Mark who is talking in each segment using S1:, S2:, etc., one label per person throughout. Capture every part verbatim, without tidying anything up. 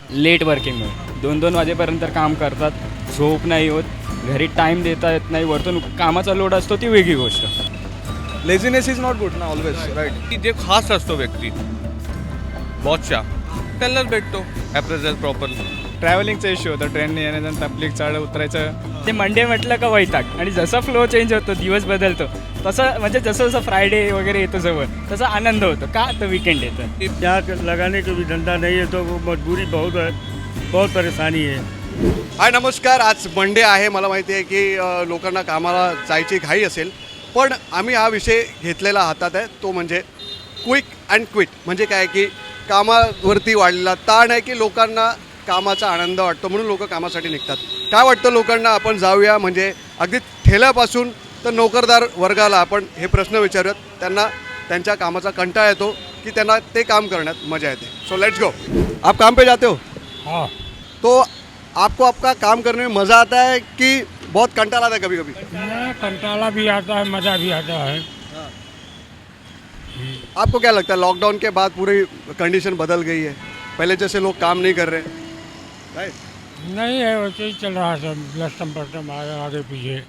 S1: Late वर्किंगमुळे दोन दोन वाजेपर्यंत काम करतात, झोप नाही होत, घरी टाईम देता येत नाही, वरतून कामाचा लोड असतो ती वेगळी गोष्ट.
S2: लेझीनेस इज नॉट गुड ना ऑलवेज, राईट.
S3: की जे खास असतो व्यक्ती बॉसच्या त्यालाच भेटतो ॲप्रेझल प्रॉपर.
S2: ट्रॅव्हलिंगचा इश्यू होता, ट्रेनने येण्याचं पब्लिक चढ उतरायचं.
S1: ते मंडे म्हटलं का वैताग, आणि जसा फ्लो चेंज होतो, दिवस बदलतो, तसं म्हणजे जसं जसं फ्रायडे वगैरे येतो जवळ, तसा आनंद होतो का तर विकेंड येतं.
S4: यहाँ लगाने का भी धंधा नहीं है तो वो मजबूरी बहुत है, बहुत परेशानी है.
S5: हाय नमस्कार. आज मंडे आहे. मला माहिती आहे की अ, लोकांना कामाला जायची घाई असेल, पण आम्ही हा विषय घेतलेला हातात आहे, तो म्हणजे क्विक अँड क्विट. म्हणजे काय की कामावरती वाढलेला ताण आहे की लोकांना कामाचा आनंद वाटतो, म्हणून लोक कामासाठी निघतात. काय वाटतं लोकांना, आपण जाऊया म्हणजे अगदी ठेल्यापासून तर नोकरदार वर्गाला आपण हे प्रश्न विचारूयात. त्यांना त्यांच्या कामाचा कंटाळा येतो की त्यांना ते काम करण्यात मजा येते. So let's go. आप काम पे जाते हो?
S4: हाँ.
S5: तो आपको आपका काम करने में मज़ा आता है कि बहुत कंटाला आता है कभी कभी?
S4: कंटाला भी आता है, मज़ा भी आता है.
S5: आपको क्या लगता है लॉकडाउन के बाद पूरी कंडीशन बदल गई है, पहले जैसे लोग काम नहीं कर रहे, राइट?
S4: नहीं है, वैसे ही चल रहा है सब, लस्टम पस्टम आगे आगे पीछे.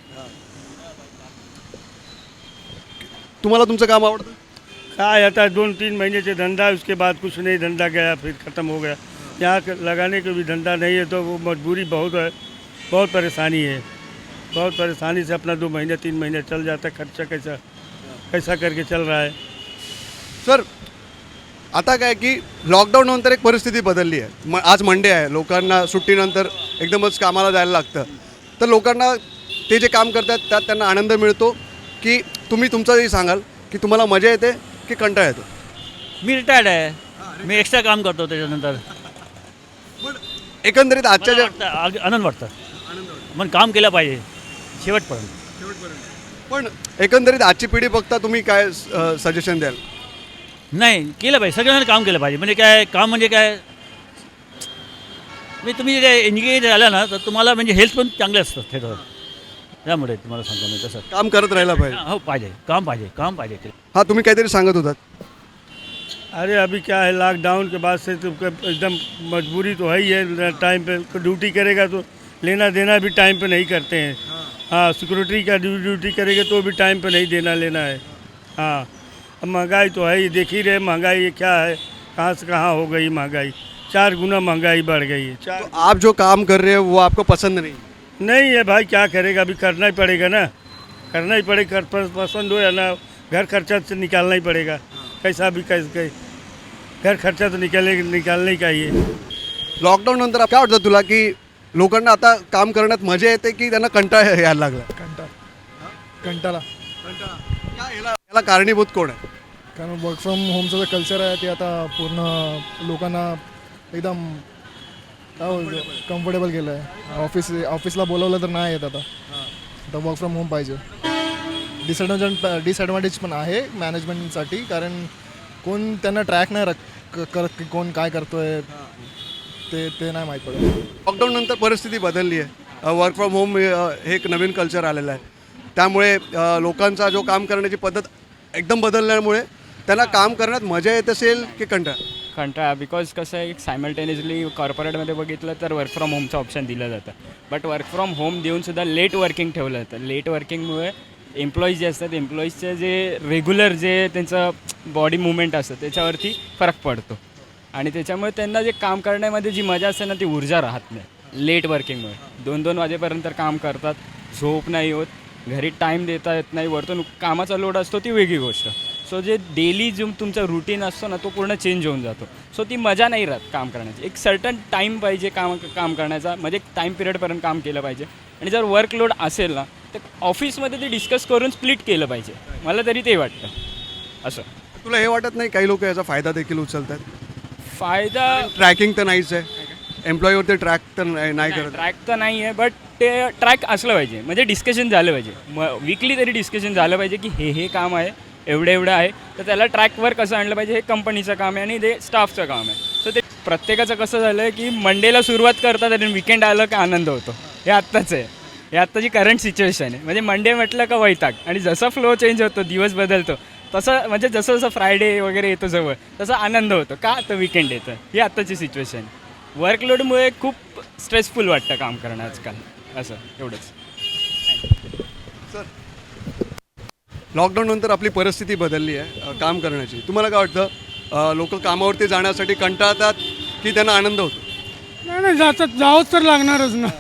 S5: तुम्हाला तुमचं काम आवडतं?
S4: क्या आता है, दोन तीन महीने से धंधा, उसके बाद कुछ नहीं, धंधा गया फिर ख़त्म हो गया. यहाँ के लगाने का भी धंधा नहीं है तो वो मजबूरी बहुत है, बहुत परेशानी है. बहुत परेशानी से अपना दो महीने तीन महीने चल जाता है. खर्चा कैसा कैसा करके चल रहा है.
S5: सर आता काय की लॉकडाऊन नंतर एक परिस्थिती बदलली आहे. म आज मंडे आहे, लोकांना सुट्टीनंतर एकदमच कामाला जायला लागतं, तर लोकांना ते जे काम करतात त्यात त्यांना आनंद मिळतो की तुम्ही तुमचंही सांगाल की तुम्हाला मजा येते की कंटाळा येतो?
S6: मी रिटायर्ड आहे, मी एक्स्ट्रा काम करतो त्याच्यानंतर.
S5: एकंदरीत आजच्या
S6: मला
S5: ज्या
S6: वाटतं, आग- आनंद वाटतं, पण काम केलं पाहिजे शेवटपर्यंत.
S5: पण एकंदरीत आजची पिढी बघता तुम्ही काय सजेशन द्याल?
S6: नाही, केलं पाहिजे, सगळ्यांना काम केलं पाहिजे. म्हणजे काय काम म्हणजे काय, मी तुम्ही काय एंगेज झाला ना तर तुम्हाला म्हणजे हेल्थ पण चांगले असतं त्याच्यावर. त्यामुळे तुम्हाला सांगतो मी तसं.
S5: काम करत राहायला पाहिजे.
S6: हो, पाहिजे काम, पाहिजे काम पाहिजे.
S5: हा, तुम्ही काहीतरी सांगत होतात.
S4: अरे अभी क्या है, लॉकडाउन के बाद से तो एकदम मजबूरी तो है ही है. टाइम पे ड्यूटी करेगा तो लेना देना भी टाइम पे नहीं करते हैं. हाँ, सिक्योरिटी का ड्यूटी करेंगे तो भी टाइम पे नहीं देना लेना है. हाँ, अब महंगाई तो है ही, देख ही रहे महंगाई ये क्या है, कहाँ से कहाँ हो गई महंगाई. चार गुना महंगाई बढ़ गई है. चार
S5: तो आप जो काम कर रहे हो वो आपको पसंद नहीं?
S4: नहीं है भाई, क्या करेगा, अभी करना ही पड़ेगा ना, करना ही पड़ेगा. पसंद हो या ना, घर खर्चा से निकालना ही पड़ेगा. कैसा भी कैसे कैसे घर खर्चा तो निकाले निकालने का ही है.
S5: लॉकडाऊन नंतर काय वाटतं तुला की लोकांना आता काम करण्यात मजा येते की त्यांना कंटाळा यायला लागला?
S2: कंटाळा कंटाळा
S5: काय याला याला कारणीभूत कोण आहे?
S2: कारण वर्क फ्रॉम होमचं जे कल्चर आहे ते आता पूर्ण लोकांना एकदम काय कम्फर्टेबल केलं आहे. ऑफिस ऑफिसला बोलवलं तर नाही येत आता. आता वर्क फ्रॉम होम पाहिजे. डिसएडव्हान्टेज डिसएडव्हान्टेज पण आहे मॅनेजमेंटसाठी, कारण कोण त्यांना ट्रॅक नाही रक करत की कोण काय करतोय, ते ते नाही माहीत पडत.
S5: लॉकडाऊन नंतर परिस्थिती बदलली आहे. वर्क फ्रॉम होम हे एक नवीन कल्चर आलेलं आहे, त्यामुळे अ, लोकांचा जो काम करण्याची पद्धत एकदम बदलल्यामुळे त्यांना काम करण्यात मजा येत असेल की कंटाळा?
S1: कंटाळा, बिकॉज कसं आहे, सायमल्टेनियसली कॉर्पोरेटमध्ये बघितलं तर वर्क फ्रॉम होमचं ऑप्शन दिलं जातं, बट वर्क फ्रॉम होम देऊनसुद्धा लेट वर्किंग ठेवलं जातं. लेट वर्किंगमुळे एम्प्लॉईज जे असतात, एम्प्लॉईजचे जे रेग्युलर जे त्यांचं बॉडी मुवमेंट असतं त्याच्यावरती फरक पडतो, आणि त्याच्यामुळे त्यांना जे काम करण्यामध्ये जी मजा असते ना ती ऊर्जा राहत नाही. लेट वर्किंगमुळे दोन दोन वाजेपर्यंत काम करतात, झोप नाही होत, घरी टाईम देता येत नाही, वरतून कामाचा लोड असतो ती वेगळी गोष्ट. सो जे डेली जो तुमचा रुटीन असतो ना तो पूर्ण चेंज होऊन जातो. सो ती मजा नाही राहत काम करण्याची. एक सर्टन टाईम पाहिजे काम काम करण्याचा, म्हणजे एक टाईम पिरियडपर्यंत काम केलं पाहिजे. आणि जर वर्कलोड असेल ना तर ऑफिसमध्ये ते डिस्कस करून स्प्लिट केलं पाहिजे, मला तरी ते वाटतं. असं
S5: तुला हे वाटत नाही काही लोक याचा फायदा देखील उचलतात?
S1: फायदा
S5: ट्रॅकिंग तर नाहीच आहे, एम्प्लॉईवरती ट्रॅक तर नाही नाही करत.
S1: ट्रॅक तर नाही आहे, बट ते ट्रॅक असलं पाहिजे, म्हणजे डिस्कशन झालं पाहिजे. मग विकली तरी डिस्कशन झालं पाहिजे की हे हे काम आहे, एवढं एवढं आहे, तर त्याला ट्रॅकवर कसं आणलं पाहिजे, हे कंपनीचं काम आहे आणि ते स्टाफचं काम आहे. सो ते प्रत्येकाचं कसं झालं आहे की मंडेला सुरुवात करतात आणि विकेंड आलं का आनंद होतो. हे आत्ताच आहे, हे आत्ताची करंट सिच्युएशन आहे. म्हणजे मंडे म्हटलं का वैताग, आणि जसा फ्लो चेंज होतो, दिवस बदलतो, तसं म्हणजे जसं जसं फ्रायडे वगैरे येतो जवळ, तसा आनंद होतो का तर विकेंड येतं. ही आत्ताची सिच्युएशन. वर्कलोडमुळे खूप स्ट्रेसफुल वाटतं काम करणं आजकाल. असं एवढंच.
S5: लॉकडाऊन नंतर आपली परिस्थिती बदलली आहे अ, काम करण्याची. तुम्हाला काय वाटतं, लोक कामावरती जाण्यासाठी कंटाळतात की त्यांना आनंद होतो?
S7: नाही नाही जातात जावंच तर लागणारच ना.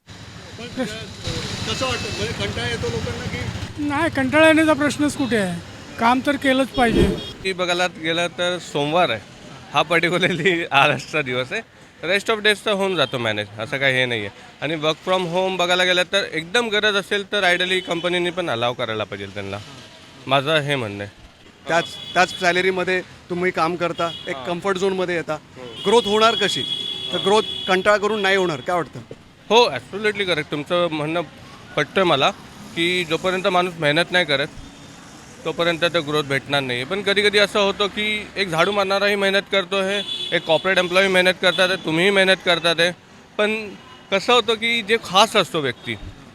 S5: कसं वाटतं, म्हणजे कंटाळा येतो लोकांना की
S7: नाही कंटाळा येण्याचा प्रश्नच कुठे आहे. काम तर केलंच पाहिजे.
S3: की बघायला गेलं तर सोमवार आहे हा पर्टिक्युलरली आजचा दिवस आहे. रेस्ट ऑफ डेज तर होऊन जातो मॅनेज, असं काही हे नाही आहे. आणि वर्क फ्रॉम होम बघायला गेलं तर एकदम गरज असेल तर आयडली कंपनीने पण अलाव करायला पाहिजे त्यांना, माझं हे म्हणणं आहे.
S5: त्याच त्याच सॅलरीमध्ये तुम्ही काम करता, एक कम्फर्ट झोनमध्ये येता. ग्रोथ होणार कशी? तर ग्रोथ कंटाळा करून नाही होणार, काय वाटतं?
S3: हो ॲब्सोल्युटली करेक्ट, तुमचं म्हणणं पटतं मला की जोपर्यंत माणूस मेहनत नाही करत तोपर्यंत तर ग्रोथ भेटणार नाही. पण कधी कधी असं होतं की एक झाडू मारणाराही मेहनत करतो आहे, एक कॉर्पोरेट एम्प्लॉई मेहनत करतात आहे, तुम्हीही मेहनत करतात आहे. पण कसं होतं की जे खास असतो व्यक्ती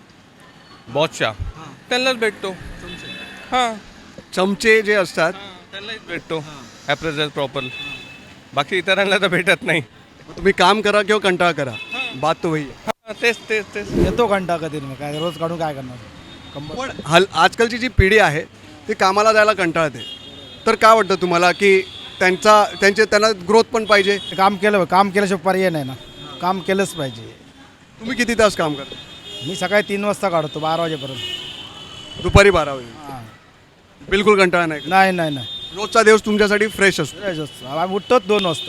S3: बॉसच्या त्यांनाच भेटतो. हां
S5: चमचे जे असतात
S3: त्यांनाच भेटतो ॲप्रेझल प्रॉपर, बाकी इतरांना तर भेटत नाही.
S5: तुम्ही काम करा किंवा कंटाळा करा, बात तो वही आहे.
S3: हां तेच तेच तेच
S8: येतो घंटा कधी मग काय रोज काढून काय करणार. कंब-
S5: पण हल आजकालची जी पिढी आहे ती कामाला जायला कंटाळते. तर काय वाटतं तुम्हाला की त्यांचा त्यांचे त्यांना ग्रोथ पण पाहिजे?
S8: काम केलं काम केल्याशिवाय पर्याय नाही ना. काम केलंच पाहिजे.
S5: तुम्ही किती तास काम करता?
S8: मी सकाळी तीन वाजता काढतो बारा वाजेपर्यंत.
S5: दुपारी बारा वाजे
S8: हां.
S5: बिलकुल कंटाळा नाही?
S8: नाही नाही नाही
S5: रोजचा दिवस तुमच्यासाठी फ्रेश असतो?
S8: फ्रेश असतो. आम्ही उठतोच दोन वाजता.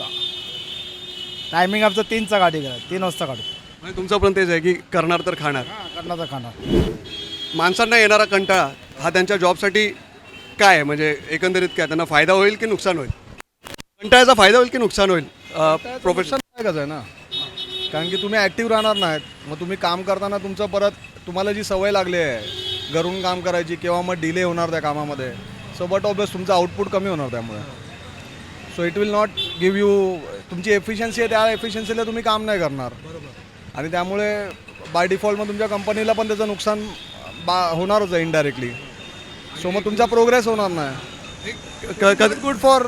S8: टायमिंग आमचं तीनचा गाडी करा तीन वाजता काढतो.
S5: म्हणजे तुमचं पण तेच आहे की करणार तर खाणार.
S8: हां करणार तर खाणार.
S5: माणसांना येणारा कंटाळा हा त्यांच्या जॉबसाठी काय आहे, म्हणजे एकंदरीत काय त्यांना फायदा होईल की नुकसान होईल? कंटाळ्याचा फायदा होईल की नुकसान होईल? प्रोफेशनल
S2: कसं आहे ना, कारण की तुम्ही ॲक्टिव्ह राहणार नाहीत. मग तुम्ही काम करताना तुमचं परत तुम्हाला जी सवय लागली आहे घरून काम करायची किंवा मग डिले होणार त्या कामामध्ये, सो बट ऑब्वियस तुमचं आउटपुट कमी होणार त्यामुळे. So it will not give you, तुमची एफिशियन्सी आहे त्या एफिशियन्सीला तुम्ही काम नाही करणार. आणि त्यामुळे बाय डिफॉल्ट मग तुमच्या कंपनीला पण त्याचं नुकसान बा होणारच आहे इनडायरेक्टली. सो मग तुमचा प्रोग्रेस होणार नाही. Good for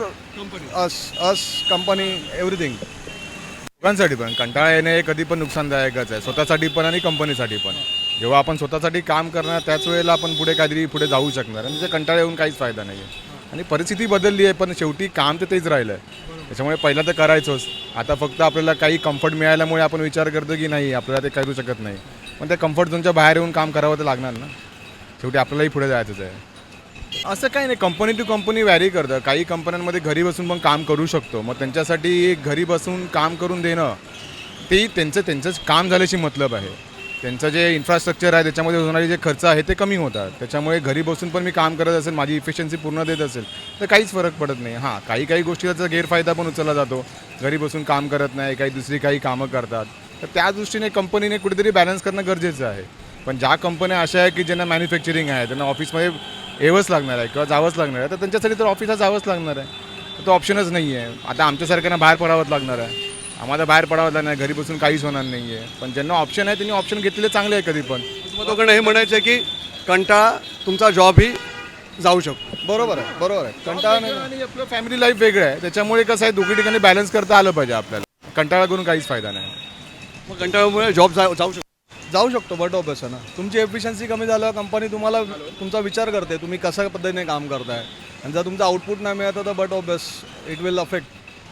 S2: us us company everything.
S9: लोकांसाठी पण कंटाळा येणे हे कधी पण नुकसानदायकच आहे, स्वतःसाठी पण आणि कंपनीसाठी पण. जेव्हा आपण स्वतःसाठी काम करणार त्याच वेळेला आपण पुढे काहीतरी पुढे जाऊ शकणार, आणि त्याचा कंटाळा येऊन काहीच फायदा नाही आहे. आणि परिस्थिती बदलली आहे पण शेवटी काम तर तेच राहिलं आहे. त्याच्यामुळे पहिला तर करायचोच. आता फक्त आपल्याला काही कम्फर्ट मिळाल्यामुळे आपण विचार करतो की नाही आपल्याला ते करू शकत नाही, पण त्या कम्फर्ट झोनच्या बाहेर येऊन काम करावं तर लागणार ना. शेवटी आपल्यालाही पुढे जायचंच आहे. असं काही नाही, कंपनी टू कंपनी व्हॅरी करतं. काही कंपन्यांमध्ये घरी बसून पण काम करू शकतो, मग त्यांच्यासाठी घरी बसून काम करून देणं ते त्यांचं त्यांचंच काम झाल्याशी मतलब आहे. त्यांचं जे इन्फ्रास्ट्रक्चर आहे त्याच्यामध्ये होणारे जे खर्च आहे ते कमी होतात. त्याच्यामुळे घरी बसून पण मी काम करत असेल, माझी इफिशियन्सी पूर्ण देत असेल तर काहीच फरक पडत नाही. हां काही काही गोष्टी त्याचा गैरफायदा पण उचलला जातो. घरी बसून काम करत नाही, काही दुसरी काही कामं करतात, तर त्या दृष्टीने कंपनीने कुठेतरी बॅलन्स करणं गरजेचं आहे. पण ज्या कंपन्या अशा आहे की ज्यांना मॅन्युफॅक्चरिंग आहे, त्यांना ऑफिसमध्ये यावंच लागणार आहे किंवा जावंच लागणार आहे, तर त्यांच्यासाठी तर ऑफिसला जावंच लागणार आहे. तर तो ऑप्शनच नाही आहे. आता आमच्यासारख्यांना बाहेर पडावंच लागणार आहे. आम्हाला बाहेर पडावं लागणार नाही, घरी बसून काहीच होणार नाही आहे. पण ज्यांना ऑप्शन आहे त्यांनी ऑप्शन घेतलेले चांगले आहे कधी पण.
S5: मग दोघांना हे म्हणायचं आहे की कंटाळा तुमचा जॉबही जाऊ शकतो.
S2: बरोबर आहे बरोबर आहे. कंटाळा नाही.
S9: आणि आपलं फॅमिली लाईफ वेगळं आहे, त्याच्यामुळे कसं आहे दोघी ठिकाणी बॅलन्स करता आलं पाहिजे आपल्याला. कंटाळा करून काहीच फायदा नाही.
S5: मग कंटाळ्यामुळे जॉब जाऊ जाऊ शकतो.
S2: जाऊ शकतो बट ऑब्वियस आहे ना. तुमची एफिशियन्सी कमी झालं, कंपनी तुम्हाला तुमचा विचार करते तुम्ही कशा पद्धतीने काम करताय, आणि जर तुमचा आउटपुट नाही मिळतं तर but obvious it will affect.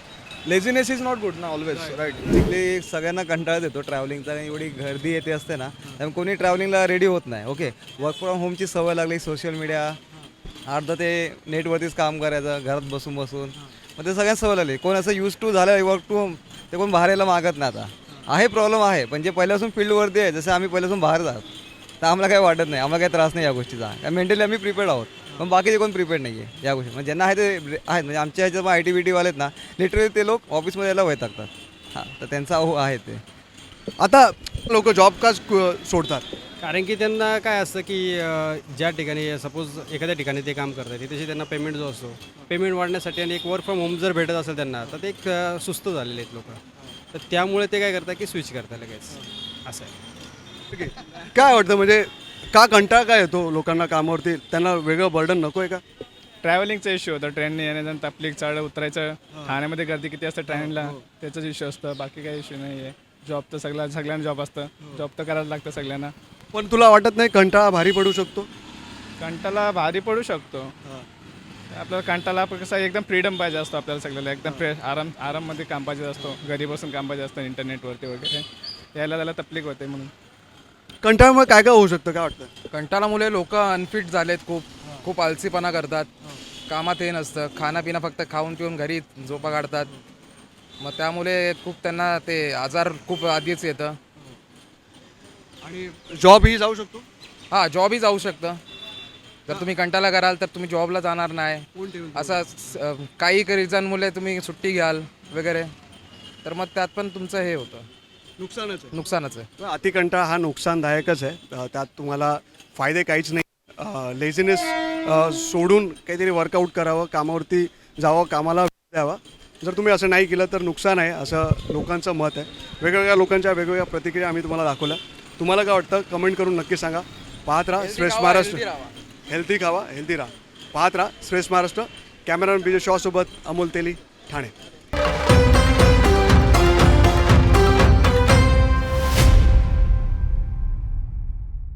S2: Laziness is not good ना ऑलवेज, राईट.
S10: बेसिकली सगळ्यांना कंटाळा येतो ट्रॅव्हलिंगचा, आणि एवढी गर्दी येते असते ना, त्यामुळे कोणी ट्रॅव्हलिंगला रेडी होत नाही. ओके, वर्क फ्रॉम होमची सवय लागली, सोशल मीडिया अर्धा ते नेटवरतीच काम करायचं घरात बसून बसून, मग ते सगळ्यांना सवय लागली. कोण असं यूज टू झालं वर्क टू होम ते कोण बाहेर यायला मागत नाही. आता आहे प्रॉब्लेम आहे, पण जे पहिल्यापासून फील्डवरती आहे, जसं आम्ही पहिल्यापासून बाहेर जात तर आम्हाला काही वाटत नाही, आम्हाला काही त्रास नाही या गोष्टीचा, कारण मेंटली आम्ही प्रिपेअर्ड आहोत. पण बाकीचे कोण प्रिपेअर्ड नाही आहे या गोष्टी. म्हणजे ज्यांना आहे ते आहेत, म्हणजे आमच्या ह्याच्यात पण आय टी बी टीवाले आहेत ना, लिटरली ते लोक ऑफिसमध्ये यायला वैतागतात. हां, तर त्यांचा हो आहे ते.
S5: आता लोक जॉब का सोडतात?
S11: कारण की त्यांना काय असतं की अ, ज्या ठिकाणी सपोज एखाद्या ठिकाणी ते काम करतात तिथे त्यांना पेमेंट जो असतो पेमेंट वाढण्यासाठी आणि एक वर्क फ्रॉम होम जर भेटत असेल त्यांना तर ते एक अ, सुस्त झालेले आहेत लोक. तर त्यामुळे ते काय करतात की स्विच करतात लगेच, असं आहे.
S5: ठीक आहे. काय वाटतं म्हणजे का कंटाळा काय येतो लोकांना कामावरती? त्यांना वेगळं बर्डन नको आहे का?
S8: ट्रॅव्हलिंगचा इश्यू होता, ट्रेनने येण्याचा तकलीफ, चढ उतरायचं, ठाण्यामध्ये गर्दी किती असतं ट्रेनला, त्याचाच इश्यू असतं, बाकी काही इश्यू नाही आहे. जॉब तर सगळ्या सगळ्यांना जॉब असतं, जॉब तर करायला लागतं सगळ्यांना.
S5: पण तुला वाटत नाही कंटाळा भारी पडू शकतो?
S8: कंटाला भारी पडू शकतो. आपल्याला कंटाला आपण कसं एकदम फ्रीडम पाहिजे असतो आपल्याला सगळ्याला, एकदम फ्रेश आराम आराममध्ये काम पाहिजे असतो, घरी बसून काम पाहिजे असतं इंटरनेटवरती वगैरे, यायला त्याला तकलीफ होते. म्हणून
S5: कंटाळ्यामुळे काय काय होऊ शकतं, काय वाटतं?
S12: कंटाळामुळे लोक अनफिट झालेत, खूप खूप आलसीपणा करतात, कामात हे नसतं, खानापिना फक्त खाऊन पिऊन घरी झोपा काढतात. मग त्यामुळे खूप त्यांना ते आजार खूप आधीच येतं.
S5: आणि जॉबही जाऊ शकतो?
S12: हां, जॉबही जाऊ शकतं. जर तुम्ही कंटाळा कराल तर तुम्ही जॉबला जाणार नाही, असं स- काही रिझनमुळे तुम्ही सुट्टी घ्याल वगैरे, तर मग त्यात पण तुमचं हे होतं,
S5: नुकसानच आहे.
S12: नुकसानच आहे.
S5: अति कंटाळा हा नुकसानदायकच आहे. अ, त्यात तुम्हाला फायदे काहीच नाही. लेझीनेस सोडून काहीतरी वर्कआउट करावं, कामावरती जावं, कामाला वेळ द्यावा. जर तुम्ही असं नाही केलं तर नुकसान आहे, असं लोकांचं मत आहे. वेगवेगळ्या लोकांच्या वेगवेगळ्या प्रतिक्रिया आम्ही तुम्हाला दाखवल्या. तुम्हाला काय वाटतं कमेंट करून नक्की सांगा. पाहत राहा श्रेष्ठ महाराष्ट्र. हेल्दी खावा, हेल्दी राहा. पाहत राहा श्रेष्ठ महाराष्ट्र. कॅमेरामॅन विजय शॉसोबत अमोल तेली, ठाणे.